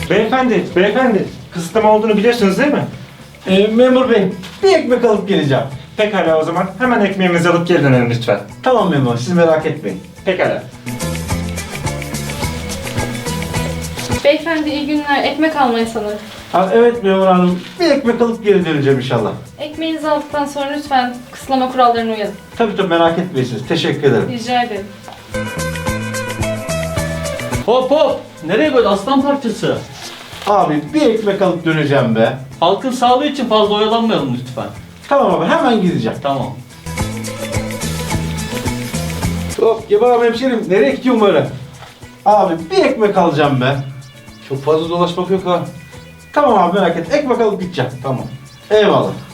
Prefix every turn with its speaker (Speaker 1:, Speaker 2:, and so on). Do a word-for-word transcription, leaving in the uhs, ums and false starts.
Speaker 1: Beyefendi, beyefendi. Kısıtlama olduğunu biliyorsunuz değil mi?
Speaker 2: Ee, memur bey, bir ekmek alıp geleceğim.
Speaker 1: Pekala o zaman hemen ekmeğimizi alıp geri dönelim lütfen.
Speaker 2: Tamam memur, siz merak etmeyin.
Speaker 1: Pekala.
Speaker 3: Beyefendi iyi günler. Ekmek almayı sanırım.
Speaker 2: Ha, evet memur hanım, bir ekmek alıp geri döneceğim inşallah.
Speaker 3: Ekmeğinizi aldıktan sonra lütfen kısıtlama kurallarına uyalım.
Speaker 2: Tabii tabii merak etmeyin, teşekkür ederim.
Speaker 3: Rica ederim.
Speaker 4: Hop hop! Nereye böyle aslan parçası?
Speaker 2: Abi bir ekmek alıp döneceğim be.
Speaker 4: Halkın sağlığı için fazla oyalanmayalım lütfen.
Speaker 2: Tamam abi, hemen gideceğim.
Speaker 4: Tamam.
Speaker 2: Hop, Gebap hemşerim, nereye gidiyorsun böyle? Abi bir ekmek alacağım be.
Speaker 5: Çok fazla dolaşmak yok ha.
Speaker 2: Tamam abi merak et, ekmek alıp gideceğim.
Speaker 5: Tamam.
Speaker 2: Eyvallah.